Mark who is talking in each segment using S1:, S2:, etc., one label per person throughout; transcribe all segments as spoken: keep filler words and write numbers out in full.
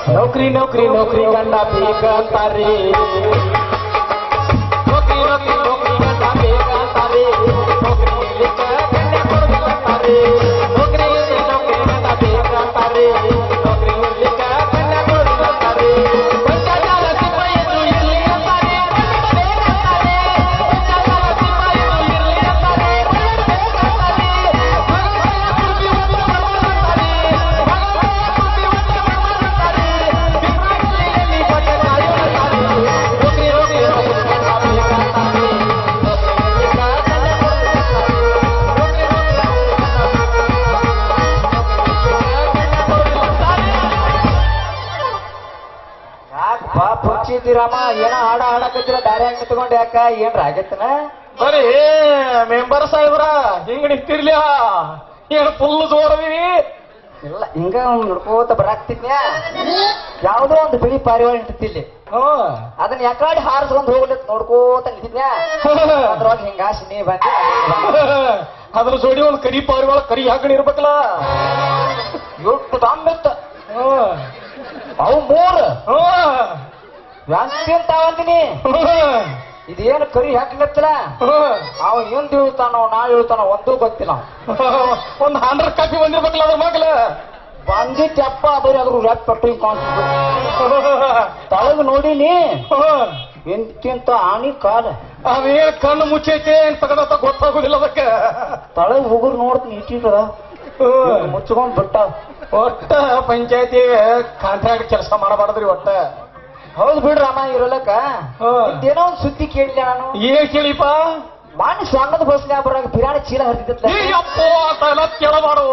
S1: ನೌಕರಿ ನೌಕರಿ ನೌಕರಿ ಗಂಡ ಬೇಕಂತಾರೆ ನೌಕರಿ ನೌಕರಿ ನೌಕರಿ ಗಂಡ ಬೇಕಂತಾರೆ ನೌಕರಿ ಇರ್ಲಿಕ್ಕ ಗಂಡ ಕೊಡ್ಬೇಕಂತಾರೆ ನೌಕರಿ ಇರ್ಲಿ ನೌಕರಿ ಗಂಡ ಬೇಕಂತಾರೆ ನೌಕರಿ ಇರ್ಲಿಕ್ಕ ಗಂಡ ಕೊಡ್ಬೇಕಂತಾರೆ ಭ್ರಷ್ಟಾಚಾರ ಸಿಪಾಯಿಗಳು ಇರ್ಲಿ ಅಂತಾರೆ ಬೇಕಂತಾರೆ ಭ್ರಷ್ಟಾಚಾರ ಸಿಪಾಯಿಗಳು ಇರ್ಲಿ ಅಂತಾರೆ ಬೇಕಂತಾರೆ ಮಗನ ಕುರ್ಚಿ ಒತ್ತು ಬರ್ಮಾಡ್ತಾರೆ ಮಗನ ಕುರ್ಚಿ ಒತ್ತು ಬರ್ಮಾಡ್ತಾರೆ ಬಿಮ್ರಾಣಿಯಲ್ಲಿ ಬಟ್ಟೆ ಕಾಯುತ್ತಾರೆ ನೌಕರಿ ನೌಕರಿ ನೌಕರಿ ಗಂಡ ಬೇಕಂತಾರೆ ರಾಮ ಏನೋ ಹಾಡ ಹಾಡಕತ್ತಿರ ದಾರಿ ಹಂಗ ತಗೊಂಡು ಯಾಕ ಏನ್ರ ಆಗೈತನ ಬರೀ ಮೆಂಬರ್ ಸಾಹೇಬ್ರ ಹಿಂಗ ನಿಂತಿರ್ಲಿ ಏನು ಫುಲ್ ಜೋರವಿ ಇಲ್ಲ ಹಿಂಗ ನೋಡ್ಕೋತ ಬರಾಕ್ತಿದ್ನ್ಯಾ ಯಾವ್ದೋ ಒಂದು ಬಿಳಿ ಪಾರಿವಾಳ ನಿಂತಿಲ್ಲಿ ಅದನ್ನ ಯಾಕಾಡಿ ಹಾರಿಸ್ಕೊಂಡ್ ಹೋಗ್ಲಿಕ್ ನೋಡ್ಕೋತ ನಿಂತಿದ್ನ್ಯಾ ಅದ್ರೊಳಗ ಹಿಂಗಾಸಿ ನೀ ಬಂದಿ ಅದ್ರ ಜೋಡಿ ಒಂದ್ ಕರಿ ಪಾರಿವಾಳ ಕರಿ ಹಾಕಣಿ ಇರ್ಬೇಕಲ್ಲ ಎಷ್ಟು ತಾಂಬಿತ್ತ ಅವು ಮೂರ್ ಅಂತಿಂತಾವಂದಿನಿ ಇದೇನು ಕರಿ ಹಾಕ್ಲತ್ತಲ್ಲ ಅವ ಏನ್ ಹೇಳ್ತಾನೋ ನಾ ಹೇಳ್ತಾನೋ ಒಂದೂ ಗೊತ್ತಿಲ್ಲ ಒಂದ್ ಹಂಡ್ರೆಡ್ ಕಾಪಿ ಬಂದಿರ್ಬೇಕಲ್ಲ ಅದ್ರ ಮಗ್ಲ ಬಂದಿಟ್ಟಪ್ಪ ಬರೀ ಅದ್ರ ರ್ಯಾಪ್ ಪಟ್ಟು ತಳಗ್ ನೋಡಿನಿ ಎಂತಿಂತ ಆನಿ ಕಾಲ ಅವೇನ್ ಕಣ್ಣು ಮುಚ್ಚೈತೆ ಏನ್ ತಗದ ಗೊತ್ತಾಗುದಿಲ್ಲ ಅದಕ್ಕೆ ತಳಗ್ ಹೋಗುರ್ ನೋಡ್ತೀನಿ ಇಟ್ಟಿರ ಮುಚ್ಕೊಂಡ್ ಬಿಟ್ಟ ಒಟ್ಟ ಪಂಚಾಯತಿ ಕಾಂಟ್ರಾಕ್ಟ್ ಕೆಲಸ ಮಾಡಬಾರ್ದ್ರಿ ಒಟ್ಟ ಹೌದು ಬಿಡ್ರಮ್ಮ ಇರೋಲಕ್ಕ ಏನೋ ಒಂದ್ ಸುದ್ದಿ ಕೇಳಿಲ್ಲ ನಾನು ಏನ್ ಕೇಳಿಪ್ಪ ಮಾಣಿ ಸ್ವಾಗತ ಬಸ್ನ್ಯಾಗ ಬರಾಗ ಬಿರಾಣಿ ಚೀಲ ಹರಿದಿತ್ತಲ್ಲ ಕೇಳಬಾರು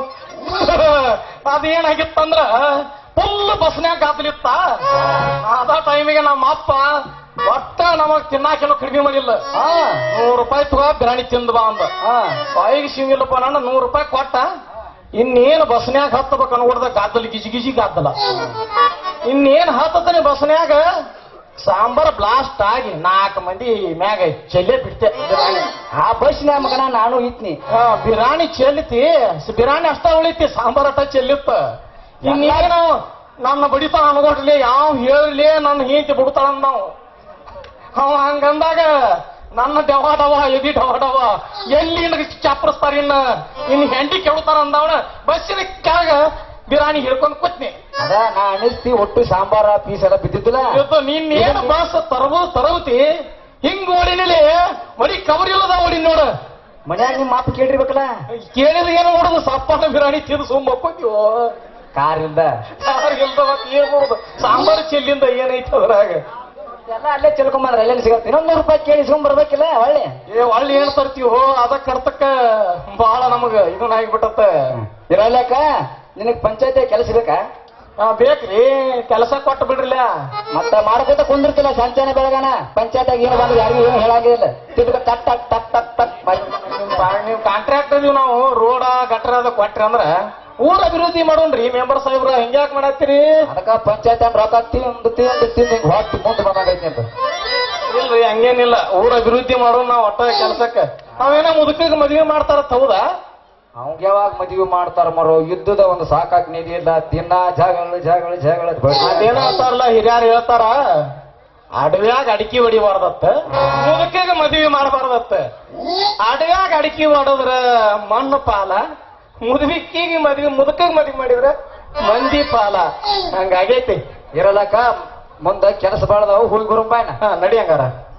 S1: ಅದೇನಾಗಿತ್ತಂದ್ರ ಫುಲ್ ಬಸ್ನ್ಯಾಗ ಗಾದಲಿತ್ತ ಅದ ಟೈಮಿಗೆ ನಮ್ಮ ಅಪ್ಪ ಒಟ್ಟ ನಮಗ್ ತಿನ್ನಾಕೆಲ್ಲ ಕಡಿಮೆ ಮಾಡಿಲ್ಲ ನೂರು ರೂಪಾಯಿ ತಗೋ ಬಿರಾಣಿ ತಿಂದ ಬಾ ಅಂದ ಬಾಯಿಗೆ ಸಿಂಗಿಲ್ಲಪ್ಪ ನಾನು ನೂರು ರೂಪಾಯಿ ಕೊಟ್ಟ ಇನ್ನೇನು ಬಸ್ನ್ಯಾಗ ಹತ್ತಬೇಕು ಅನ್ಕೊಡ್ದ ಗಾದ್ದಲ್ ಗಿಜಿ ಗಿಜಿ ಗಾದ್ದಲ ಇನ್ನೇನ್ ಹತ್ತತಾನೆ ಬಸ್ನ್ಯಾಗ ಸಾಂಬಾರ್ ಬ್ಲಾಸ್ಟ್ ಆಗಿ ನಾಲ್ಕು ಮಂದಿ ಮ್ಯಾಗ ಚೆಲ್ಲೆ ಬಿಡ್ತೆ ಆ ಬಸ್ನ್ಯಾಗ ಮಗನ ನಾನು ಇತ್ನಿ ಬಿರಾಣಿ ಚೆಲ್ಲಿತಿ ಬಿರಾಣಿ ಅಷ್ಟ ಉಳಿತಿ ಸಾಂಬಾರ್ ಅಟ್ಟ ಚೆಲ್ಲಿತ್ತ ಇನ್ನೇನು ನನ್ನ ಬಡಿತಾಳ ಅನ್ಕೊಡ್ಲಿ ಯಾವ ಹೇಳಲಿ ನನ್ನ ಹಿಂತಿ ಬಿಡ್ತಾಳಂದ ನಾವು ಅವ ಹಂಗಂದಾಗ ನನ್ನ ಡವ ಡವ ಎದಿ ಡವ ಡವ ಎಲ್ಲಿ ಚಾಪ್ರಸ್ತಾರ ಇನ್ನ ಇನ್ ಹೆಂಡಿ ಕೆಡ್ತಾರ ಅಂದವನ ಬಸ್ಸಿನ ಕೆಳಗ ಬಿರಾಣಿ ಹಿಡ್ಕೊಂಡ್ ಕೂತ್ನಿ ಅದ ನಾ ಅನಿಸ್ತಿ ಒಟ್ಟು ಸಾಂಬಾರ ಪೀಸ್ ಎಲ್ಲ ಬಿದ್ದಿದ್ದಿಲ್ಲ ನೀನ್ ಬಸ್ ತರಬು ತರವತಿ ಹಿಂಗ್ ಓಡಿನಲ್ಲಿ ಮಡಿ ಕವರ್ ಇಲ್ಲದ ಓಡಿ ನೋಡ ಮನ್ಯಾಗ ನಿಮ್ ಮಾತು ಕೇಳಿರ್ಬೇಕಲ್ಲ ಕೇಳಿದ್ರೆ ಏನು ನೋಡುದು ಸಪ್ಪನ ಬಿರಾಣಿ ತಿಂದು ಸುಮ್ಮ ಮಕ್ಕೋತೀವೋ ಕಾರ್ ಇಲ್ದ ಕಾರ್ ಇಲ್ದ ಮತ್ ಏನ್ ಮಾಡುದು ಸಾಂಬಾರು ಚೆಲ್ಲಿಂದ ಏನೈತೆ ಅದ್ರಾಗ ಎಲ್ಲ ಅಲ್ಲೇ ಚೆಲ್ಕೊಂಬಂದ್ರೆ ಅಲ್ಲೆಲ್ಲಿ ಸಿಗತ್ತೆ ಇನ್ನೊಂದ್ ನೂರು ರೂಪಾಯಿ ಕೇಳಿ ಸುಮ್ ಬರ್ಬೇಕಿಲ್ಲ ಒಳ್ಳೆ ಏ ಒಳ್ಳೆ ಏನ್ ತರ್ತೀವೋ ಅದ ಕರ್ತಕ್ಕ ಬಹಳ ನಮಗ ಇದನ್ನ ಆಗಿಬಿಟ್ಟತ್ತ ಇರಲ್ಲಕ್ಕ ನಿನಗ್ ಪಂಚಾಯತಿ ಕೆಲಸ ಬೇಕಾ ಹಾ ಬೇಕ್ರಿ ಕೆಲಸ ಕೊಟ್ಟು ಬಿಡ್ರಿಲ್ಲ ಮತ್ತ ಮಾಡ್ಕೊತ ಕುಂದಿರ್ತಿಲ್ಲ ಸಂಚಾನ ಬೆಳಗಾನ ಪಂಚಾಯತ್ಯಾಗ ಏನು ಬಂದ್ರೆ ಯಾರಿಗೂ ಏನು ಹೇಳಾಗಿಲ್ಲ ತಿರ್ಗ ಟಕ್ ಟಕ್ ಟಕ್ ಟಕ್ ಟಕ್ ನೀವು ಕಾಂಟ್ರಾಕ್ಟ್ ಅದೀವಿ ನಾವು ರೋಡ ಗಟ್ರ ಅದ ಕೊಟ್ರಿ ಅಂದ್ರ ಊರ ಅಭಿವೃದ್ಧಿ ಮಾಡೋಣ್ರಿ ಮೆಂಬರ್ ಸಾಹೇಬ್ರ ಹಿಂಗ್ಯಾಕ್ ಮಾಡತ್ತೀರಿ ಅದಕ್ಕ ಪಂಚಾಯತ್ ರೊಕ್ಕ ತಿಂದು ತಿಂದು ತಿಂದು ಹಿಂಗ್ ಹೊಟ್ಟಿ ಮುಂದೆ ಬಂದಾಗೈತಿ ಅಂತ ಇಲ್ರಿ ಹಂಗೇನಿಲ್ಲ ಊರ ಅಭಿವೃದ್ಧಿ ಮಾಡೋಣ ನಾವ್ ಒಟ್ಟ ಕೆಲ್ಸಕ್ಕ ನಾವೇನ ಮುದುಕಿಗೆ ಮದ್ವೆ ಮಾಡ್ತಾರ ಹೌದಾ ಅವಂಗ ಯಾವಾಗ ಮದ್ವೆ ಮಾಡ್ತಾರ ಮರೋ ಯುದ್ಧದ ಒಂದು ಸಾಕಾಕ್ ನಿಧಿ ಇಲ್ಲ ದಿನ ಜಗಳ ಜಗಳ ಜಗಳ ಅದೇನ ಅಂತಾರಲ್ಲ ಹಿರಿಯಾರು ಹೇಳ್ತಾರ ಅಡವ್ಯಾಗ ಅಡಿಕೆ ಹೊಡಿಬಾರ್ದತ್ತ ಮುದುಕಿಗೆ ಮದ್ವೆ ಮಾಡಬಾರ್ದತ್ತ ಅಡವ್ಯಾಗ ಅಡಿಕೆ ಹೊಡೋದ್ರ ಮಣ್ಣು ಪಾಲ ಮುದುಕಿಗೆ ಮದ್ವಿ ಮುದುಕಿಗೆ ಮದ್ವಿ ಮಾಡಿದ್ರ ಮಂದಿ ಪಾಲ ಹಂಗಾಗೈತಿ ಇರಲಕ್ಕ ಮುಂದ ಕೆಲಸ ಬಾಳದವು ಹುಲ್ ಗುರುಂಬಾಯ್ನ ನಡಿ ಹಂಗಾರ